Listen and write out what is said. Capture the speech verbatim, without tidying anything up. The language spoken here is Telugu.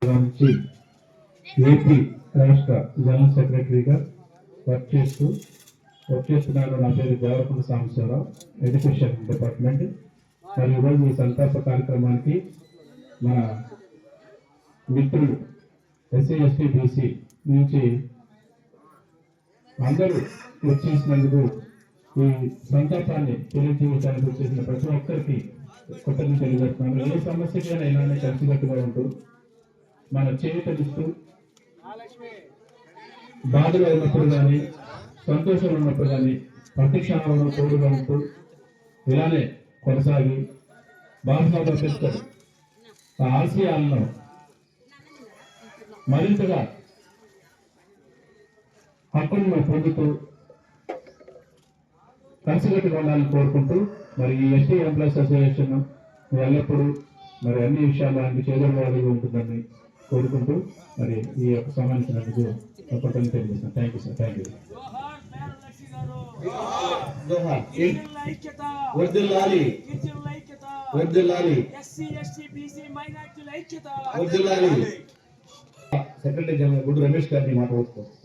నుంచి ఏపీ రాష్ట్ర జనరల్ సెక్రటరీగా వర్క్ చేస్తూ వర్క్ చేస్తున్నాను. నా పేరు దేవరకొండ సాంబశివరావు, ఎడ్యుకేషన్ డిపార్ట్మెంట్. మరి ఈరోజు ఈ సంతాప కార్యక్రమానికి మన మిత్రులు ఎస్సీ ఎస్టీ బీసీ నుంచి అందరూ వచ్చేసినందుకు ఈ సంతాపాన్ని తెలియజేయడానికి వచ్చేసిన ప్రతి ఒక్కరికి కృతజ్ఞతలు తెలియజేస్తున్నాను. ఏ సమస్యకైనా ఇలానే కలిసికట్టుగా ఉంటూ మన చేయుతనిస్తూ బాధలో ఉన్నప్పుడు కానీ సంతోషంలో ఉన్నప్పుడు కానీ ప్రతి క్షణంలో తోడుగా ఉంటూ ఇలానే కొనసాగి బాలసాగర్ అంబేద్కర్ ఆ ఆశయాలను మరింతగా హక్కులను పొందుతూ కలిసికట్టుగా ఉండాలని కోరుకుంటూ మరి ఈ ఎస్టీ ఎంప్లాయీస్ అసోసియేషన్ ఎల్లప్పుడూ మరి అన్ని విషయాలు ఆయనకి చేదోడువాడిగా ఉంటుందని కోరుకుంటూ మరి ఈ యొక్క సమావేశానికి తప్పకుండా తెలియజేస్తాను. Thank you sir. Thank you. Secretary general Guddu Ramesh గారిని మాట్లాడుతారు.